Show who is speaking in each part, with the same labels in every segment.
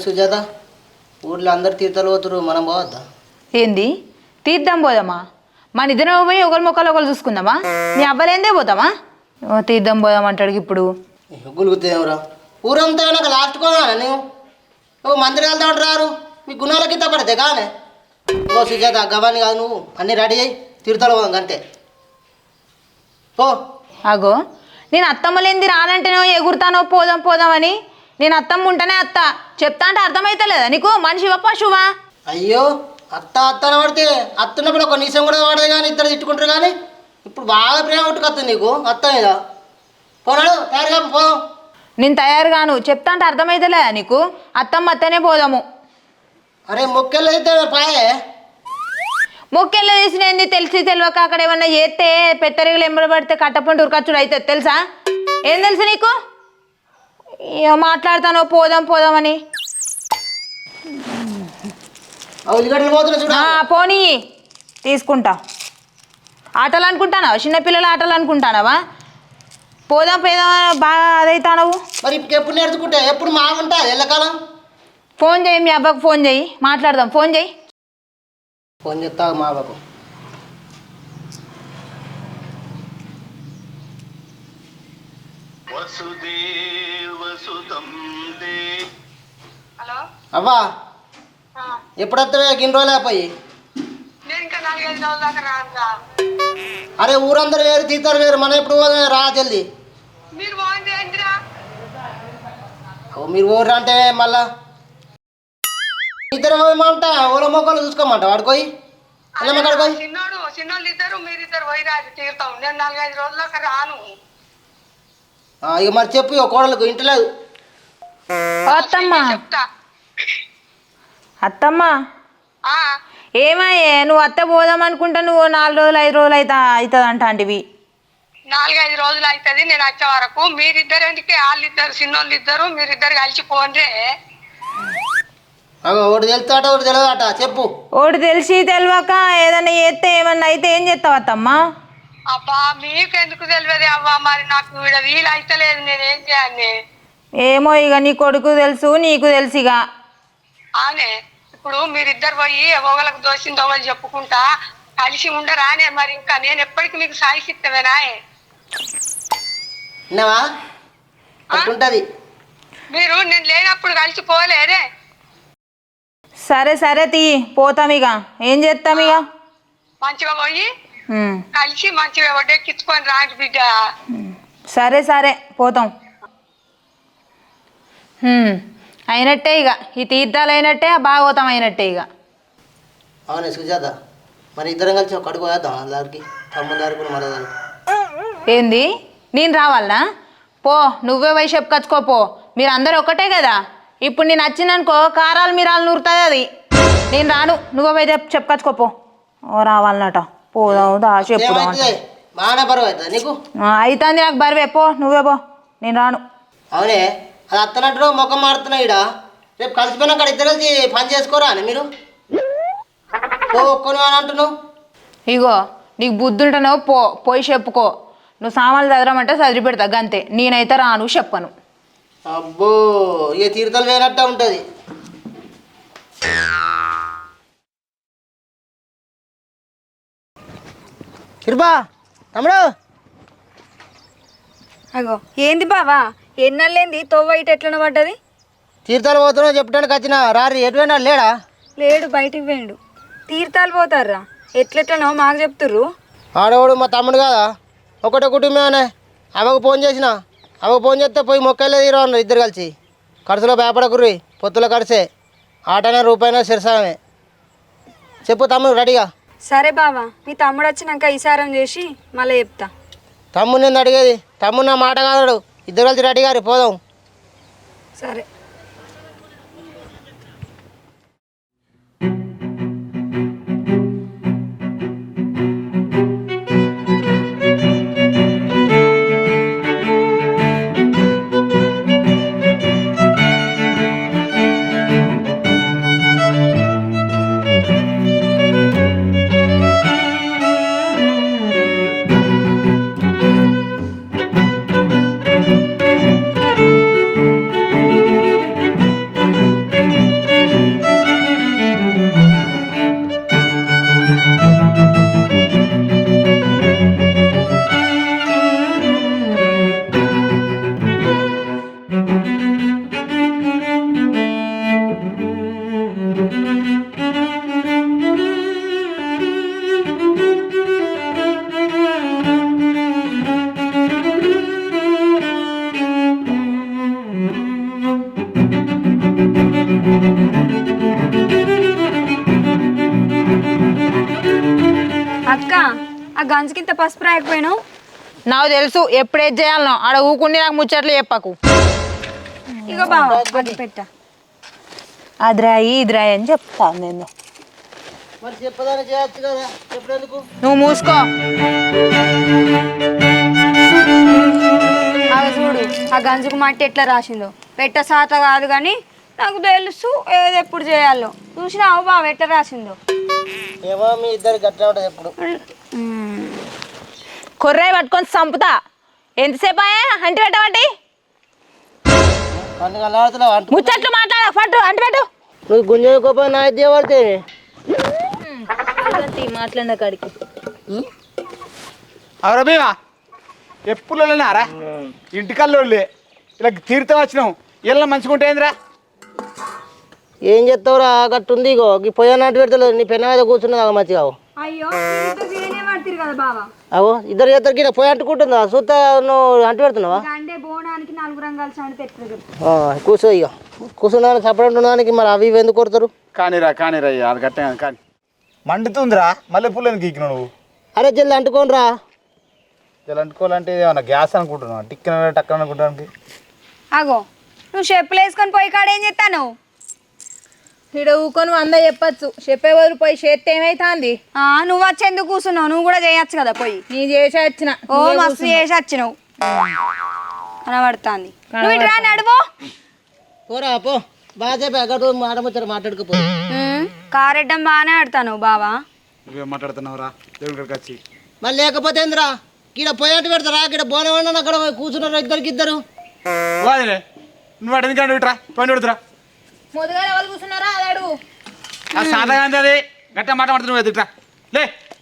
Speaker 1: సుజాత ఊర్లో అందరు తీర్థాలు పోతురు మనం పోవద్దా?
Speaker 2: ఏంది తీద్దాం పోదామా? మన ఇద్దరం పోయి ఒకరి మొక్కలు ఒకరు చూసుకుందామా? నీ అవ్వలేందే పోతామా? తీద్దాం పోదాం అంటాడు ఇప్పుడు.
Speaker 1: గులుగుతావురా ఊరంతా నాకు లాస్ట్ కోదా నువ్వు నువ్వు మందిరి వెళ్తా ఉంటారు మీ గుణాలకి తప్పడితే కానీ ఓ సుజాత గవాని కాదు నువ్వు అన్నీ రెడీ అయ్యి తీర్థాలు పోదాం అంతే పో.
Speaker 2: అగో నేను అత్తమ్మలేంది రానంటేనో ఎగురుతానో పోదాం పోదామని. నేను అత్తమ్మ ఉంటేనే అత్త చెప్తా అంటే అర్థమైతలేదా నీకు? మనిషివా పశువా?
Speaker 1: అయ్యో అత్త అత్తన పడితే అత్తున్నప్పుడు ఒక నిమిషం కూడా పడదు కానీ ఇద్దరు తిట్టుకుంటారు కానీ ఇప్పుడు బాగా ప్రేమ ఉట్టుకొస్తుంది నీకు అత్త మీద. పోనాడు తయారుగా పో.
Speaker 2: నేను తయారు కాను చెప్తా అంటే అర్థమైతలేదా నీకు? అత్తమ్మ అత్తనే పోదాము.
Speaker 1: అరే మొక్కెళ్ళు అయితే పాయే
Speaker 2: మొక్కెళ్ళ తీసినది తెలిసి తెలియక అక్కడ ఏమన్నా చేస్తే పెత్తరిగలు ఎంబడబడితే కట్టపండి ఉరకచ్చుడు అవుతుంది తెలుసా? ఏం తెలుసు నీకు? మాట్లాడతాను పోదాం పోదామని. పోనీ తీసుకుంటా. ఆటలు అనుకుంటానావా? చిన్నపిల్లల ఆటలు అనుకుంటానావా? పోదాం పోదాం బాగా అదైతానవు.
Speaker 1: మరి ఎప్పుడు నేర్చుకుంటా ఎప్పుడు మా ఉంటా ఎల్లకాలం.
Speaker 2: ఫోన్ చేయి మీ అబ్బాకు ఫోన్ చేయి మాట్లాడదాం. ఫోన్ చేయి.
Speaker 1: ఫోన్ చేస్తా మా బాబు.
Speaker 3: హలో
Speaker 1: అవ్వా ఎప్పుడు వస్తావే గిన్ని రోజులు అయిపోయి?
Speaker 3: నేను ఇంకా 4-5 రోజుల దాకా రానురా.
Speaker 1: అరే ఊరందరూ వేరు తీతారు వేరు మనం ఎప్పుడు పోదాం రా జల్ది.
Speaker 3: మీరు బాగుంది ఏంటిరా?
Speaker 1: మీరు ఊరు అంటే మళ్ళా ఇద్దరు పోయమంట ఓలో మొక్కలు చూసుకోమంట వాడుకోయి
Speaker 3: చిన్నోళ్ళు ఇద్దరు మీరిద్దరు పోయిరాజు తీరుతాం. నేను 4-5 రోజుల దాకా రాను.
Speaker 1: ఇక మరి చెప్పు ఇక కోడలకు ఇంటలేదు.
Speaker 2: అత్తమ్మా
Speaker 3: చెప్తా.
Speaker 2: అత్తమ్మా ఏమయ్యే నువ్వు అత్త పోదాం అనుకుంటా నువ్వు 4 రోజులు 5 రోజులు అవుతుంది అంటాంటివి.
Speaker 3: 4-5 రోజులు అవుతుంది నేను వచ్చే వరకు. మీరిద్దరు ఎందుకే వాళ్ళిద్దరు చిన్నోళ్ళు ఇద్దరు మీరిద్దరు కలిసి పోండ్రే.
Speaker 1: ఒకటి తెలుస్తాట ఒకటి తెలియదట చెప్పు.
Speaker 2: ఒకటి తెలిసి తెలియక ఏదన్నా చేస్తే ఏమన్నా అయితే ఏం చేస్తావు అత్తమ్మా?
Speaker 3: అబ్బా మీకెందుకు తెలియదు అవ్వా. మరి నాకు వీడ వీలు అయితలేదు నేనేం చేయాలి?
Speaker 2: ఏమో ఇక నీ కొడుకు తెలుసు నీకు తెలుసు ఇక.
Speaker 3: అవునే ఇప్పుడు మీరిద్దరు పోయి ఒకళ్ళకు దోషిన దొంగలు చెప్పుకుంటా కలిసి ఉండరానే. మరి ఇంకా నేను ఎప్పటికీ మీకు సాయిసిత్తవేనా?
Speaker 1: విన్నావా అట్టుంటది.
Speaker 3: మీరు నేను లేనప్పుడు కలిసి పోలేదే.
Speaker 2: సరే సరే తీ పోతాం ఇక ఏం చేస్తాం ఇక.
Speaker 3: మంచిగా పోయి కలిసి మంచిగా వడ్డెక్కించుకొని రాండి బిడ్డ.
Speaker 2: సరే సరే పోతాం. అయినట్టే ఇక ఈ తీర్థాలు అయినట్టే భాగవతం అయినట్టే ఇక.
Speaker 1: అవునే సుజాత మరి ఇద్దరం కలిసి ఒక అడుగు వేద్దాం అందరికి తమ్ముడు దారికి కూడా మరదాలు.
Speaker 2: ఏంది నేను రావాలనా? పో నువ్వే పోయి చెప్పుకొచ్చుకోపో. మీరు అందరు ఒకటే కదా. ఇప్పుడు నేను వచ్చిందనుకో కారాలు మీరాలు నూరుతుంది అది. నేను రాను నువ్వే పోయి చెప్పుకొచ్చుకోపో. ఓ రావాలన్నట పోదాం దా చెప్పుదాం.
Speaker 1: బాగానే బరువు అవుతుంది నీకు?
Speaker 2: అవుతుంది నాకు బరువే. పో నువ్వే పో నేను రాను.
Speaker 1: అవునే అది అత్తనట్టు ముఖం మారుతున్నాయి ఇడ. రేపు కలిసిపోయినా అక్కడ ఇద్దరు కలిసి పని చేసుకోరా అని మీరు పో ఒక్కను అని అంటున్నావు.
Speaker 2: ఇగో నీకు బుద్ధి ఉంటేనో పోయి చెప్పుకో. నువ్వు సామాన్లు చదవమంటే చదివి పెడతా గంతే. నేనైతే రాను చెప్పను.
Speaker 1: అబ్బో ఇక తీర్థాలు వేయనట్టే ఉంటుంది. కిరుబా తమ్ముడు.
Speaker 4: అగో ఏంది బావా ఎన్నెళ్ళేంది తోవ ఇటు ఎట్లన పడ్డది?
Speaker 1: తీర్థాలు పోతున్నావు చెప్పడానికి వచ్చిన రారి ఎటువైనా లేడా?
Speaker 4: లేడు బయటికి పోయిండు. తీర్థాలు పోతారా ఎట్లెట్లనో మాకు చెప్తుర్రు.
Speaker 1: ఆడవాడు మా తమ్ముడు కదా ఒకటే కుటుంబమే. అవకు ఫోన్ చేసిన అవకు ఫోన్ చేస్తే పోయి మొక్కలే తీరు అన్నారు ఇద్దరు కలిసి. ఖర్చులో భయపడకుర్రి పొత్తులో ఖర్చే. ఆటనే రూపాయినా శిరసామే. చెప్పు తమ్ముడు రెడీగా.
Speaker 4: సరే బావా మీ తమ్ముడు వచ్చినాక ఈసారం చేసి మళ్ళీ చెప్తా.
Speaker 1: తమ్ముడు నేను అడిగేది తమ్ముడు నా మాట కాదాడు. ఇద్దరు కలిసి రెడీ గారి పోదాం.
Speaker 4: సరే గంజకింత పసుపు రాయకపోయినావు.
Speaker 2: నాకు తెలుసు ఎప్పుడేది చేయాలనో ఆడ ఊకుండి నాకు ముచ్చట్లు చెప్పకు.
Speaker 4: ఇగో బావా అది పెట్ట.
Speaker 2: అదిరాయి ఇదిరాయి అని చెప్తాను నేను.
Speaker 1: మరి చెప్పదాన్ని చేయొచ్చు కదా, చెప్పేందుకు?
Speaker 2: నువ్వు మూసుకో.
Speaker 4: అవి చూడు ఆ గంజుకు మట్టి ఎట్లా రాసిందో. పెట్ట సాత కాదు కానీ నాకు తెలుసు ఏది ఎప్పుడు చేయాలో. చూసినావు బావ ఎట్లా రాసిందో.
Speaker 1: ఏమో మీ ఇద్దరు గట్లా ఉంటుంది ఎప్పుడు.
Speaker 2: కొర్రాయి పట్టుకొని చంపుతా. ఎంతసేపు అయ్యా అంటి పెట్టబట్టి
Speaker 1: అన్ని కలవాడుతున్నావు అంటు.
Speaker 2: ముచ్చట్లు మాట్లాడ పట్టు అంటి పెట్టు.
Speaker 1: నువ్వు గుంజకోపోయి నా ఇద్దరు పడితే
Speaker 2: మాట్లాడిన కాడికి
Speaker 5: అవరా భీమా ఎప్పుడు వెళ్ళినారా ఇంటికల్లోళ్ళే ఇలా తీర్థం వచ్చినాం ఇలా మంచిగా ఏందిరా.
Speaker 1: ఏం చెప్తావురా గట్టు ఉంది. ఇగో ఈ పొయ్యి నాటి పెడతలేదు, నీ పెన్న మీద కూర్చున్నది మంచిగా.
Speaker 4: అయ్యో పడుతుంది కదా బావా.
Speaker 1: అవో ఇద్దరు చేద్దరు గిట్ట పొయ్యి అంటుకుంటుందా చూస్తా, నువ్వు అంటు పెడుతున్నావా?
Speaker 4: అంటే బోనానికి 4 రంగాలు సండి తెచ్చు.
Speaker 1: కూర్చో. ఇక కూర్చున్నాను సపరేట్ ఉండడానికి మరి అవి ఇవి ఎందుకు కొడతారు?
Speaker 5: కానీరా అది గట్ట కానీ మండుతుందిరా. మళ్ళీ పుల్లని గీకినావు నువ్వు.
Speaker 1: అరే జల్ది అంటుకోనరా.
Speaker 5: ఇలా అంటుకోవాలంటే ఏమన్నా గ్యాస్ అనుకుంటున్నావు, టిక్కిన టక్కన అనుకుంటానికి.
Speaker 4: అగో నువ్వు చెప్పులు వేసుకొని పోయి కాడ ఏం చేస్తాను?
Speaker 2: ఇక్కడ ఊకొని అందా చెప్పచ్చు. చెప్పే బదులు పోయి చేస్తే ఏమైతుంది?
Speaker 4: నువ్వు వచ్చి ఎందుకు కూర్చున్నావు? నువ్వు కూడా చేయొచ్చు కదా పోయి.
Speaker 2: నీ చేసి వచ్చిన.
Speaker 4: ఓ మస్తు చేసి వచ్చినావు కనబడుతుంది. నువ్వు ఇటు రా నడువు.
Speaker 1: పోరా పో. బాగా చెప్పి అక్కడ మాట్లాడుతారు మాట్లాడుకోపో.
Speaker 4: కారెడ్డం బాగానే ఆడతాను బావా.
Speaker 5: నువ్వేం మాట్లాడుతున్నావురా దేవుడి కాడికి వచ్చి.
Speaker 1: మళ్ళీ లేకపోతే ఏందిరా ఇక్కడ పొయ్యి అంటు పెడతారా? ఇక్కడ బోనం వండని అక్కడ కూర్చున్నారు ఇద్దరు.
Speaker 5: వాదిలే నువ్వు అటు ఎందుకంటే ఇట్రా పని పెడుతురా.
Speaker 2: మొదగా ఎవరు కూర్చున్నారా అది అడుగు.
Speaker 5: ఆ సాదాగా అది గట్ట మాట మాడుతు నువ్వు ఎదుట్రా లే.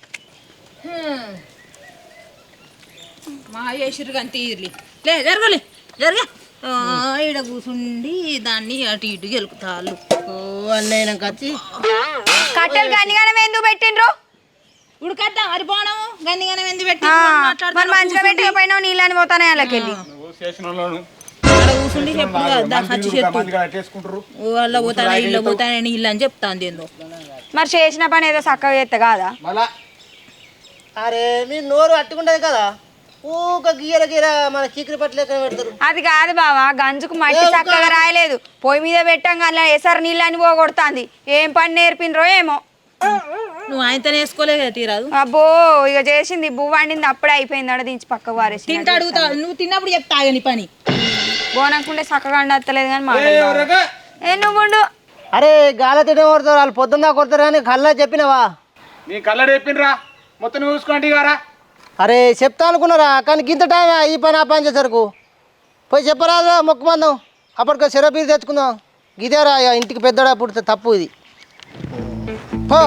Speaker 2: మా చేసిరు కానీ తీర్లి లే జరగలే జరగ. ఈడ కూర్చుండి దాన్ని అటు ఇటు గెలుకుతాళ్ళు.
Speaker 1: ఓ అన్నయ్య వచ్చి
Speaker 4: కట్టెలు గనిగానే ఎందుకు పెట్టిండ్రు?
Speaker 2: ఉడకద్దాం మరి పోవడము గందిగానే ఎందుకు పెట్టి
Speaker 4: మరి మంచిగా పెట్టకపోయినావు నీళ్ళని పోతానే వాళ్ళకెళ్ళి.
Speaker 2: కూర్చుండి చెప్పుడు వాళ్ళ పోతానే ఇళ్ళ పోతానే ఇల్లు అని చెప్తాను ఏందో.
Speaker 4: మరి చేసిన పని ఏదో చక్కగా చేస్తే కాదా?
Speaker 1: అరే మీ నోరు అట్టుకుంటది కదా, ఊక గీర మన చీకరి పట్లేక పెడతారు.
Speaker 4: అది కాదు బావా, గంజుకు మట్టి చక్కగా రాయలేదు. పొయ్యి మీద పెట్టాం కానీ ఎసరు నీళ్ళని పోగొడుతుంది. ఏం పని నేర్పినరో ఏమో.
Speaker 2: నువ్వు ఆయనతో వేసుకోలే కదా తీరాదు.
Speaker 4: అబ్బో ఇక చేసింది బువ్వ వండింది అప్పుడే అయిపోయింది. అడ దించి పక్కకు వారేసి
Speaker 2: తింటా అడుగుతా. నువ్వు తిన్నప్పుడు చెప్తా నీ పని.
Speaker 4: బోనకుండే చక్కగా వండత్తలేదు కానీ మాట ఏ నువ్వు ఉండు.
Speaker 1: అరే గాలి తినే కొడతారు వాళ్ళు, పొద్దున్న కొడతారు కానీ కల్లా చెప్పినవా?
Speaker 5: నీ కళ్ళ చెప్పిండ్రా మొత్తం నువ్వు చూసుకోండి గారా.
Speaker 1: అరే చెప్తా అనుకున్నారా కానీ గింత టైం ఈ పని ఆ పని చేసరికి పోయి చెప్పరాదా మొక్కు మందం. అప్పటికి సిరపీరు తెచ్చుకుందాం. గిదేరా ఇంటికి పెద్దడా పుడితే తప్పు ఇది. పో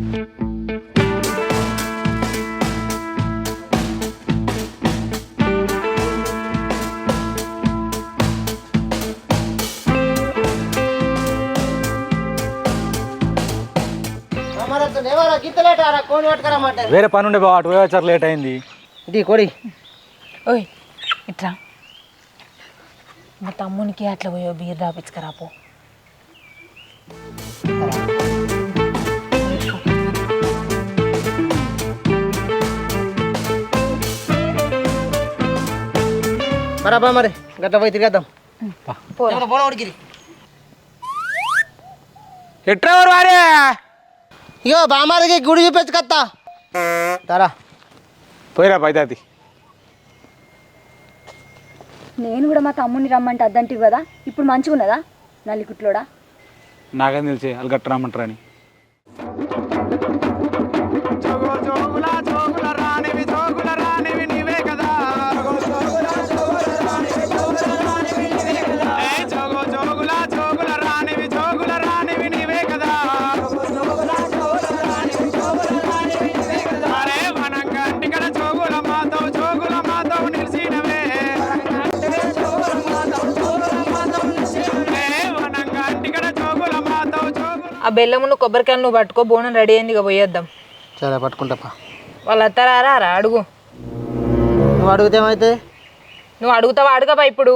Speaker 6: వేరే పని ఉండే బావ, అటు పోయొచ్చారు లేట్ అయింది.
Speaker 1: ఇది కొడి.
Speaker 2: ఓయ్ ఇట్లా మా తమ్మునికి అట్లా పోయో బీర్ రాపించుకరాపో.
Speaker 1: మరబ్బా మరి గట్ల పోయి తిరిగేద్దాం.
Speaker 5: ఎట్రా వారే
Speaker 1: ఇగో బామారికి గుడి చూపించు కత్తా తారా
Speaker 5: పోయిరా పైతాది.
Speaker 4: నేను కూడా మా తమ్ముడిని రమ్మంటే అద్దంటివి కదా. ఇప్పుడు మంచిగా ఉన్నదా నల్లికుట్లోడా?
Speaker 5: నాకేం తెలిసి వాళ్ళు గట్ట రమ్మంటారా అని.
Speaker 2: ఆ బెల్లమును కొబ్బరికాయలు నువ్వు పట్టుకో. బోనం రెడీ అయింది ఇక పోయేద్దాం.
Speaker 1: సరే పట్టుకుంటాపా.
Speaker 2: వాళ్ళు అత్తారా అడుగు.
Speaker 1: నువ్వు అడిగితే ఏమైతే?
Speaker 2: నువ్వు అడుగుతావా? అడగబా ఇప్పుడు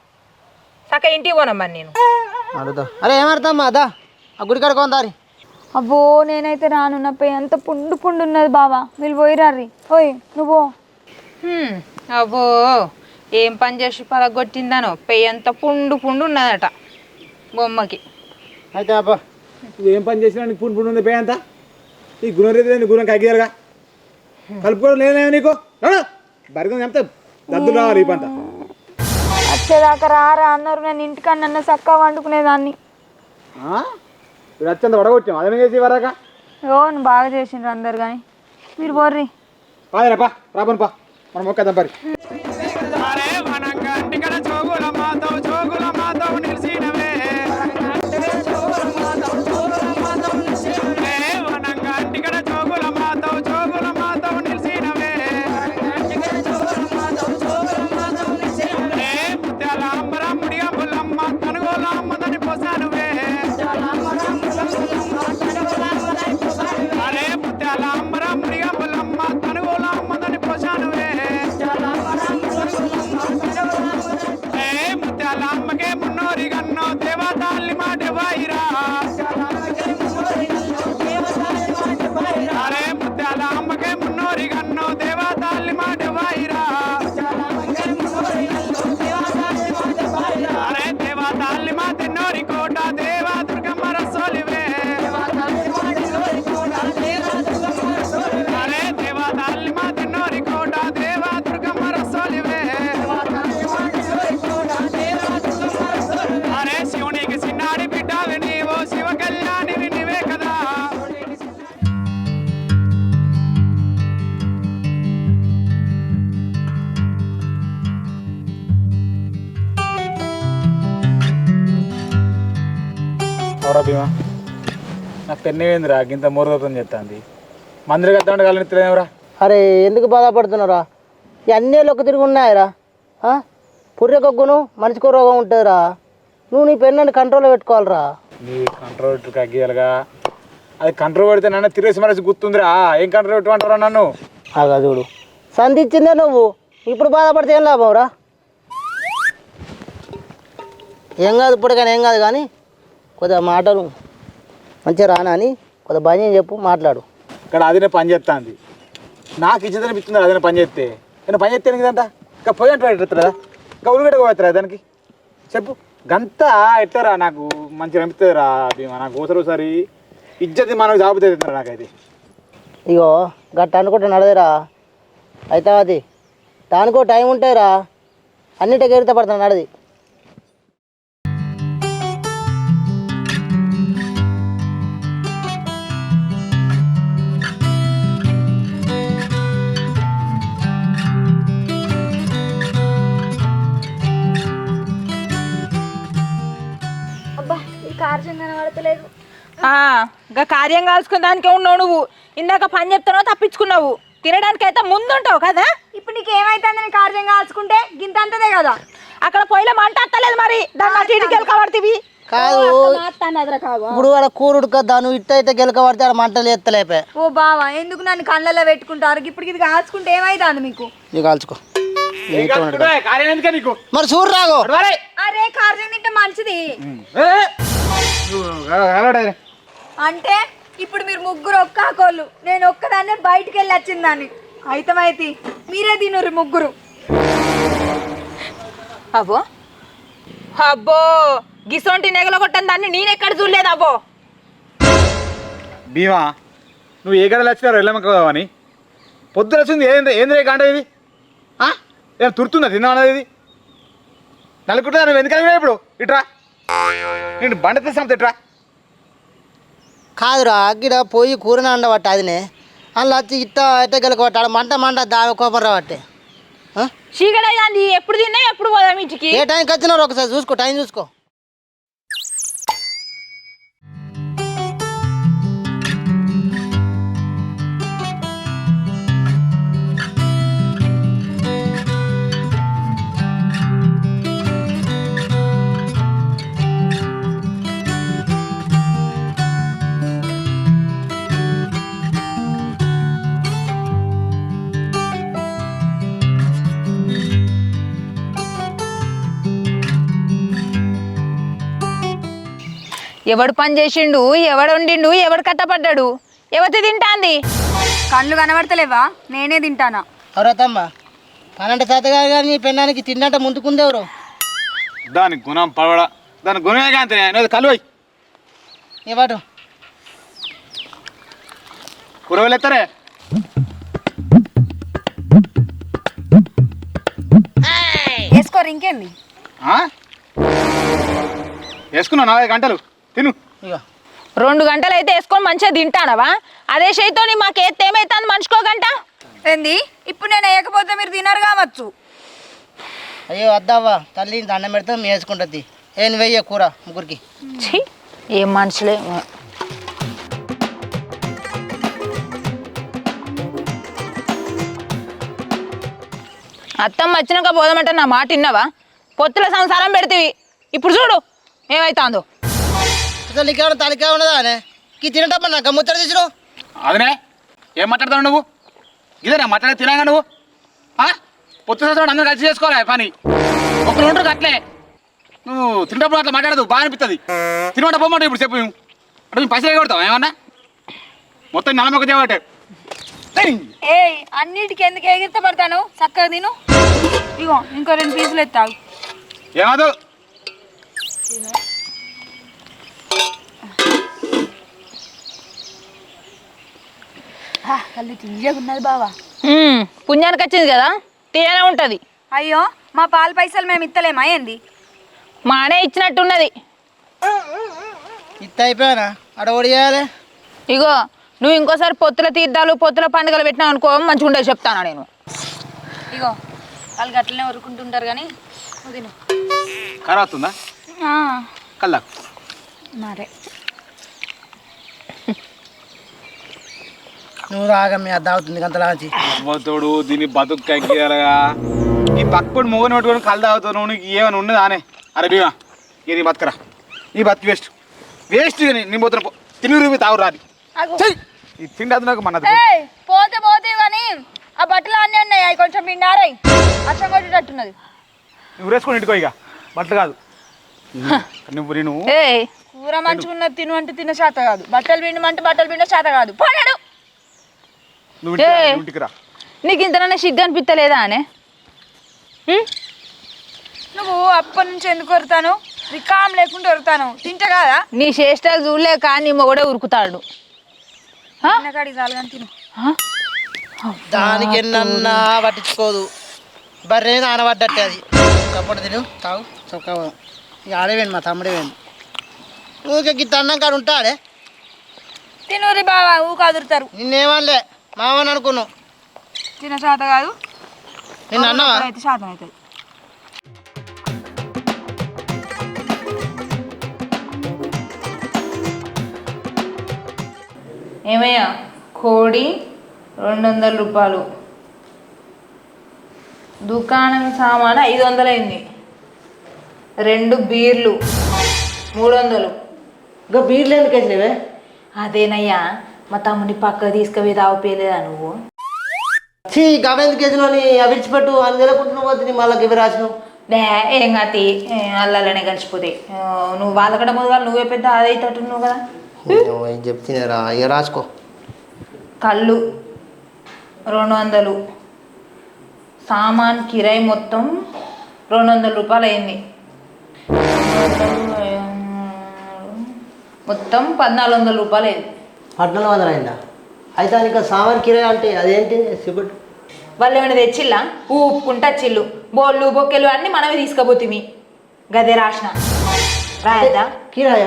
Speaker 2: సక్క ఇంటికి పోనమ్మా నేను
Speaker 1: అడుగుతా. అరే ఏమడతామ్మా అదా ఆ గుడి కాడ కొందారి.
Speaker 4: అబ్బో నేనైతే రాను నా పెయ్యి అంత పుండు పుండు ఉన్నది బావా మీరు పోయిరారి ఓయ్ నువ్వు
Speaker 2: అబ్బో ఏం పని చేసి పలగొట్టిందానో పెయ్యి అంత పుండు పుండు ఉన్నదట బొమ్మకి.
Speaker 1: అయితే అబ్బా
Speaker 5: ఏం పని చేసినా నీకు పుండు పుండు ఉంది పే అంతా ఈ గుణం రీతి గుణం కగ్గియారుగా కలుపుకోవడం లేదే నీకు బరిగం చెప్తే దద్దులు రావాలి ఈ పంట
Speaker 4: వచ్చేదాకా రారా అన్నారు నేను ఇంటికన్నా చక్కగా వండుకునేదాన్ని.
Speaker 5: ఇప్పుడు వచ్చేంత వడగొచ్చాం అదే చేసి వరాక
Speaker 4: ఓన్ బాగా చేసిండ్రు అందరు కానీ మీరు బోర్రి
Speaker 5: పాదేనప్పా రాబను పా మనం మొక్కదాం పరి అవరా భీమా నాకు పెన్నేందిరా ఇంత మూరదత్వం చెప్తాంది మందిరి కద్దామంటే కాలని తెలియవరా
Speaker 1: అరే ఎందుకు బాధపడుతున్నారా ఇవన్నీ ఒక తిరిగి ఉన్నాయరా పుర్రెకొగ్గును మనిషికో రోగం ఉంటుందిరా నువ్వు నీ పెన్నుని కంట్రోల్లో పెట్టుకోవాలిరా.
Speaker 5: నీ కంట్రోల్ కగ్గియాలుగా అది కంట్రోల్ పెడితే నన్ను తిరిగేసి మనసు గుర్తుందిరా ఏం కంట్రోల్ పెట్టమంటారా నన్ను
Speaker 1: అగా చూడు సంధించిందే నువ్వు ఇప్పుడు బాధపడితే ఏం లాభం రా. ఏం కాదు ఇప్పుడు కానీ ఏం కాదు కానీ కొద్దిగా మాటలు మంచిగా రానా అని కొద్దిగా భయం చెప్పు మాట్లాడు.
Speaker 5: ఇక్కడ అదినే పని చేస్తుంది నాకు ఇచ్చేదని అదినే పని చేస్తే నేను పని చేస్తే కదంట ఇంకా పోయి అంటే పెడతారా ఇంకా ఉల్లిగడ్డ పోతారా దానికి చెప్పు గంత ఎట్టారా నాకు మంచిగా అనిపిస్తుందిరా భీమా నాకు ఒకసారి ఇజ్జతి మనకు జాబుతుందిరా నాకైతే.
Speaker 1: ఇగో గట్ట అనుకుంటే నడదేరా అయితే అది దానికో టైం ఉంటాయిరా అన్నిటికీ ఎరిత పడుతుంది నడది.
Speaker 4: అబ్బా ఈ కార్యం కనబడతలేదు.
Speaker 2: ఇంకా కార్యం కాల్చుకున్న దానికే ఉన్నావు నువ్వు. ఇందాక పని చెప్తున్నావు తప్పించుకున్నావు. తినడానికి అయితే ముందుంటావు కదా.
Speaker 4: ఇప్పుడు నీకు ఏమైతుందని కార్యం కాల్చుకుంటే గింత అంతదే కదా.
Speaker 2: అక్కడ పొయ్యిలో మంట అత్తలేదు మరి దాన్ని ఇటుకెళ్ళి కబడుతీవి
Speaker 1: కాదు ఇప్పుడు ఆడ కూరుడుక దాన్ని ఇట్ట ఇట్ట గెలక పడితే ఆడ మంటలు ఎత్తలేపే.
Speaker 4: ఓ బావా ఎందుకు నన్ను కళ్ళల్లో పెట్టుకుంటారు ఇప్పుడు ఇది కాల్చుకుంటే ఏమైతుంది మీకు.
Speaker 1: నీకు కాల్చుకో
Speaker 5: నీకు
Speaker 1: మరి చూడు రాగో
Speaker 4: అరే కార్యం తింటే మంచిది అంటే ఇప్పుడు మీరు ముగ్గురు ఒక్కాకోళ్ళు నేను ఒక్కదాన్నే బయటికి వెళ్ళి వచ్చిందాన్ని అయితమైతే మీరే తినురు ముగ్గురు.
Speaker 2: అబ్బో అబ్బో గిసొంటి నెగల కొట్టని దాన్ని నేనెక్కడ చూడలేదు. అబ్బో
Speaker 5: భీమా నువ్వు ఏ గడలు వచ్చినారు వెళ్ళమని అని పొద్దున వచ్చింది ఏంది కాంట ఇది ఏం తురుతుందా తిన్నా అన్నది ఇది నలుగుంటా నువ్వు ఎందుకని ఇప్పుడు ఇట్రా నేను బండ తీసాం ఇట్రా
Speaker 1: కాదురా అగ్గిడ పోయి కూరని అండబట్ట అదినే అందులో వచ్చి ఇట్ట ఇట్ట గెలక పట్టాడు మంట మంట దాని కోపం రాబట్టే.
Speaker 2: చీకటి ఎప్పుడు తిన్నా ఎప్పుడు పోదాం ఇంటికి.
Speaker 1: ఏ టైంకి వచ్చినారు ఒకసారి చూసుకో టైం చూసుకో.
Speaker 2: ఎవడు పని చేసిండు, ఎవడు వండిండు, ఎవడు కట్టపడ్డాడు, ఎవతి తింటాంది?
Speaker 4: కళ్ళు కనబడతలేవా? నేనే తింటానా.
Speaker 1: ఎవరతమ్మ పనంటే తాతగా కానీ పెన్నానికి తిన్నట్ట ముందుకుంది ఎవరు?
Speaker 5: దాని గుణం పడవ దాని గుణమే కాంతి కలువై
Speaker 1: ఇవ్వటు
Speaker 5: కూరగాయలు ఎత్తారే
Speaker 4: వేసుకోరు ఇంకేంది.
Speaker 5: వేసుకున్నావు 4 గంటలు తిను.
Speaker 1: ఇక
Speaker 2: 2 గంటలు అయితే వేసుకొని మంచిగా తింటానవా? అదే చేయితో మాకేస్తే ఏమైతుంది మనిషికో గంట?
Speaker 4: ఏంది ఇప్పుడు నేను వేయకపోతే మీరు తినరు కావచ్చు.
Speaker 1: అయ్యో వద్దావా తల్లి దండం పెడితే మేము వేసుకుంటుంది. ఏం వెయ్య కూర ముగ్గురికి.
Speaker 2: ఛీ, ఏం మనుషులే. అత్తమ్మ వచ్చినాక పోదామంటే నా మాట విన్నావా? పొత్తుల సంసారం పెడితివి, ఇప్పుడు చూడు ఏమైతుందో.
Speaker 1: అసలు నీకేమైనా తలకే ఉన్నదా అనే ఈ తినటప్పుడు నాకు ముచ్చట తీసుడు.
Speaker 5: అదనే ఏం మాట్లాడతావు నువ్వు? ఇదేనా మాట్లాడే తినాగా నువ్వు? పొత్తు సంవత్సరం అందరూ కలిసి చేసుకోవాలి పని. ఒకరు ఉంటారు అట్లే. నువ్వు తింటప్పుడు అట్లా మాట్లాడదు బాగా అనిపిస్తుంది. తినమంటే పోమంటావు ఇప్పుడు చెప్పు. అంటే మేము పైసలు కొడతావు ఏమన్నా? మొత్తం నలమొక్క చేయబట్టే.
Speaker 4: ఏ అన్నిటికి ఎందుకు ఎగిరితే పడతాను? చక్కగా తిను. ఇగో ఇంకో 2 పీసులు ఎత్తావు.
Speaker 5: ఏమదు
Speaker 4: కళ్ళు తీయగా ఉన్నది బావా.
Speaker 2: పుణ్యానికి వచ్చింది కదా, తీయనే ఉంటుంది.
Speaker 4: అయ్యో మా పాల పైసలు మేము ఇత్తలేమా ఏంది?
Speaker 2: మానే ఇచ్చినట్టున్నది.
Speaker 1: ఇత్త అయిపోయానా అడ ఓడి చేయాలి.
Speaker 2: ఇగో నువ్వు ఇంకోసారి పొత్తుల తీర్థాలు పొత్తుల పండుగలు పెట్టినావు అనుకో మంచిగా ఉండేది చెప్తానా నేను.
Speaker 4: ఇగో వాళ్ళు గట్లనే ఊరుకుంటుంటారు కానీ నువ్వు తిను.
Speaker 5: కర వస్తుందా కల్లా?
Speaker 4: మరే
Speaker 1: నువ్వు రాగా మీ అద్ద అవుతుంది అంతలాంచి
Speaker 5: తోడు దీన్ని బతుక్కగా ఈ పక్కడు మొగని పట్టుకొని కళ్ళు తాగుతావు నువ్వు. నీకు ఏమైనా ఉన్నదా అనే? అరే బీమా ఇది బతుకరా, నీ బతుకు వేస్ట్ వేస్ట్. నీ పోతున్న తిని రూపి తాగు రాది ఇది తిండి నాకు మన
Speaker 4: పోతే పోతే కానీ ఆ బట్టలు అన్నీ ఉన్నాయి. అవి కొంచెం పిండారాయి అచ్చం కొట్టేటట్టున్నది.
Speaker 5: నువ్వు వేసుకొని ఇంటికో ఇక బట్టలు కాదు. నువ్వు నేను
Speaker 4: కూర మంచుకున్నది తిను అంటే తిన్న చేత కాదు, బట్టలు పిండమంటే బట్టలు పిండ చేత కాదు. పోయాడు
Speaker 5: నువ్వు ఇంటికి రా.
Speaker 2: నీకు ఇంతనన్నా సిగ్గు అనిపిస్తలేదా అనే?
Speaker 4: నువ్వు అప్పటి నుంచి ఎందుకు వరుతాను? రికామ్ లేకుండా వరుతాను తింటా కదా.
Speaker 2: నీ చేష్టలు చూడలేక నీ మొగడే ఉరుకుతాడు.
Speaker 4: కాడికి చాలు కానీ తిను.
Speaker 1: దానికి ఎన్నన్నా పట్టించుకోదు. బర్రె నానబడ్డట్టే అది. చప్పటి తిను తాగు చక్కగా. ఇక ఆడేవేండి మా తమ్ముడే వేయండి. ఊరికే గిట్ట అన్నం కాడు ఉంటాడే.
Speaker 4: తినూరి బావా ఊక అదురుతారు.
Speaker 1: నిన్నేమనలే మామని అనుకున్నావు.
Speaker 4: తిన చేత కాదు
Speaker 1: నిన్ను అన్నావా?
Speaker 4: అయితే శాతం అవుతుంది.
Speaker 2: ఏమయ్యా కోడి 200 రూపాయలు, దుకాణం సామాను 500 అయింది, 2 బీర్లు 300.
Speaker 1: ఇంకా బీర్లు ఎందుకు వేసినవే?
Speaker 2: అదేనయ్యా మా తమ్ముని పక్క తీసుకుపోయి తాగిపోయలేదా నువ్వు?
Speaker 1: గవెందుకు వేసినావు? విడిచిపెట్టు అని నిలకుంటున్నావు పోతుంది మళ్ళీ ఇవి రాసినావు.
Speaker 2: ఏం కాతి అల్లనే కలిసిపోతాయి. నువ్వు వాళ్ళకడ ముందుగా నువ్వే పెద్ద అదైతట్టున్నావు కదా.
Speaker 1: ఏం చెప్తున్నారా ఇక రాసుకో.
Speaker 2: కళ్ళు 200, సామాన్ కిరాయి మొత్తం 200 రూపాయలు అయింది. మొత్తం 1400 రూపాయలు అయింది.
Speaker 1: 1400 అయిందా? అయితే ఇంకా సామాన్ కిరాయి అంటే అదేంటి సిబట్?
Speaker 2: వాళ్ళు ఏమైనా తెచ్చిల్లా? ఊపుకుంటా చిల్లు బోళ్ళు బొక్కెలు అన్నీ మనమే తీసుకుపోతుంది. గదే రాసిన రాయద్దా?
Speaker 1: కిరాయా?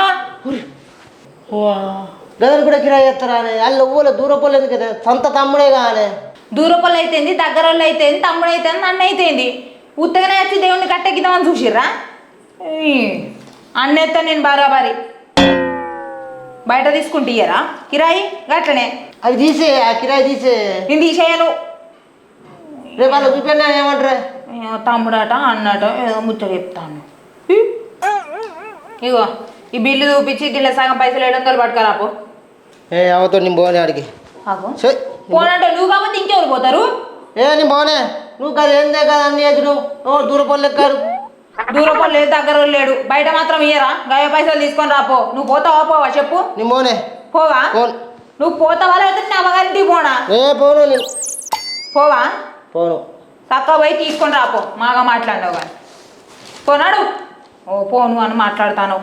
Speaker 1: గదలు కూడా కిరాయి చేస్తారా? వాళ్ళు ఊళ్ళో దూరపోలు ఎందుకు కదా? సొంత తమ్ముడే కానీ.
Speaker 2: దూరపల్లి అయితేంది, దగ్గర వాళ్ళు అయితేంది, తమ్ముడు అయితేంది, నన్ను అయితేంది. ఉత్తగానే వచ్చి దేవుణ్ణి కట్టెక్కిద్దామని చూసిర్రా? అన్నేస్తా నేను బరాబరి. బయట తీసుకుంటే ఇయ్యరా కిరాయి? గట్లనే
Speaker 1: అవి తీసే, ఆ కిరాయి తీసే.
Speaker 2: నేను తీసేయను.
Speaker 1: రేపు వాళ్ళు చూపెన్నా ఏమంటారా?
Speaker 2: తమ్ముడట అన్నట ఏదో ముచ్చట చెప్తాను. ఇగో ఈ బిల్లు చూపించి గిల్ల సగం పైసలు 700 పట్టుకరాపో.
Speaker 1: అవతో నేను పోనే ఆడికి.
Speaker 2: పోనంటే నువ్వు కాబట్టి ఇంకెవరు పోతారు?
Speaker 1: నేను పోనే. నువ్వు కదా ఏందే కదా అన్ని వేసి నువ్వు దూరపోలు లెక్కారు.
Speaker 2: దూరం లేదు దగ్గర లేడు బయట మాత్రం ఇయ్యరా గయ పైసలు తీసుకొని రాపో నువ్వు పోతావా పోవా చెప్పు
Speaker 1: నీ మోనే
Speaker 2: పోవా
Speaker 1: పోను
Speaker 2: నువ్వు పోతావా లేకపోతే నా అమ్మగారింటికి పోనా
Speaker 1: పోను నేను
Speaker 2: పోవా
Speaker 1: పోను
Speaker 2: చక్కగా పోయి తీసుకొని రాపో మాగా మాట్లాడినావు కానీ పోనాడు ఓ పోను అని మాట్లాడతాను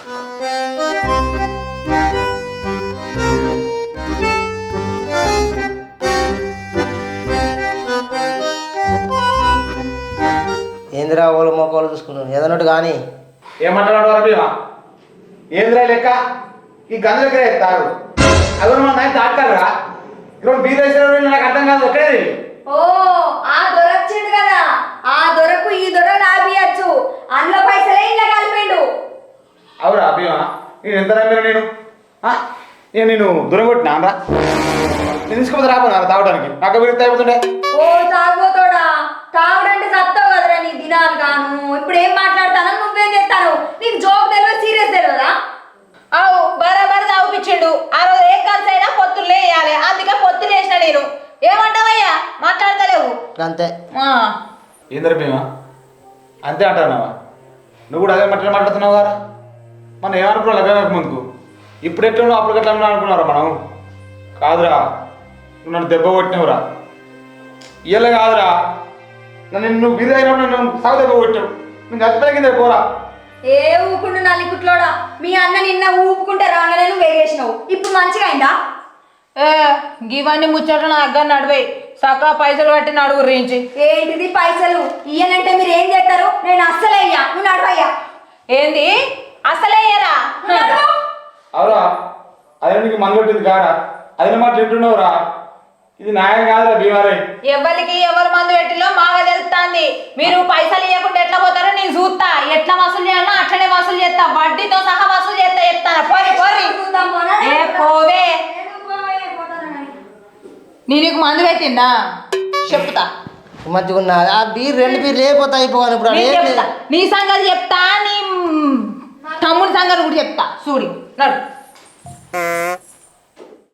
Speaker 1: ఏందిరా ఓళ్ళు మొక్కలు చూసుకున్నాను ఏదన్నట్టు కానీ
Speaker 5: ఏమంటున్నాడు రబీమా ఏంద్రా లెక్క ఈ గంధ దగ్గర ఎత్తారు అవి మన నాయన తాటారా ఇక్కడ బీద నాకు అర్థం కాదు ఒక్కడే
Speaker 4: ఓ ఆ దొరొచ్చిండు కదా ఆ దొరకు ఈ దొర లాభియచ్చు అందులో పైసలే ఇలా కలిపిండు
Speaker 5: అవురా అభిమా నేను ఎంత నమ్మిన నేను దూరం కొట్టినా రా నేను తీసుకుపోతే రాబోనా తాగడానికి నాకు విరుద్ధ అయిపోతుండే
Speaker 4: ఓ తాగుతోడా తాగుడంటే చస్తావు కదరా నీ దినాలు గాను ఇప్పుడు ఏం మాట్లాడతానో నువ్వేం చేస్తాను నీకు జోక్ తెలియదు సీరియస్ తెలియదా
Speaker 2: అవు బరాబర్ తాగుపిచ్చిండు ఆ రోజు ఏ కలిసి అయినా పొత్తులు వేయాలి అందుకే పొత్తులు వేసిన నేను ఏమంటావయ్యా మాట్లాడతలేవు
Speaker 1: అంతే
Speaker 5: ఏందరా భీమా అంతే అంటున్నావా నువ్వు కూడా అదే మాట్లాడుతున్నావు కదా మనం ఏమనుకున్నావు లభ్యమక ముందుకు ఇప్పుడు ఎట్లా అప్పుడు ఎట్లా అనుకున్నారా మనం కాదురా నువ్వు నన్ను దెబ్బ కొట్టినవురా ఇయ్యలే కాదురా నువ్వు బిజీ అయినప్పుడు నన్ను సాగు దెబ్బ కొట్టావు నువ్వు చచ్చిపోయిందే పోరా
Speaker 4: ఏ ఊపుకుండు నల్లికుట్లోడా మీ అన్న నిన్న ఊపుకుంటే రాగానే నువ్వు వేగేసినావు ఇప్పుడు మంచిగా అయిందా
Speaker 2: గివన్నీ ముచ్చట్లు నా దగ్గర నడివే సకా పైసలు కట్టి నడుగు రించి
Speaker 4: ఏంటిది పైసలు ఇయ్యనంటే మీరు ఏం చేస్తారు నేను అస్సలే అయ్యా నువ్వు నడవయ్యా
Speaker 2: ఏంది అసలేయరా
Speaker 5: అవురా అదే నీకు మందు కొట్టింది కారా అదే మాట చెప్తున్నావురా ఇది న్యాయం కాదురా భీమారే
Speaker 2: ఎవరికి ఎవరు మందు పెట్టిలో మాగా తెలుస్తాంది మీరు పైసలు ఇవ్వకుండా ఎట్లా పోతారో నేను చూస్తా ఎట్లా వసూలు చేయాలన్నా అట్లనే వసూలు చేస్తా వడ్డీతో సహా వసూలు చేస్తా చెప్తాను పోరి పోరి ఏ పోవే నీకు మందు పెట్టిందా చెప్తా
Speaker 1: మంచిగా ఉన్నా ఆ బీర్ 2 బీర్లు లేకపోతే అయిపోవాలి ఇప్పుడు
Speaker 2: నేను చెప్తా నీ సంగతి చెప్తా నీ తమ్ముడి సంగతి కూడా చెప్తా చూడు నడు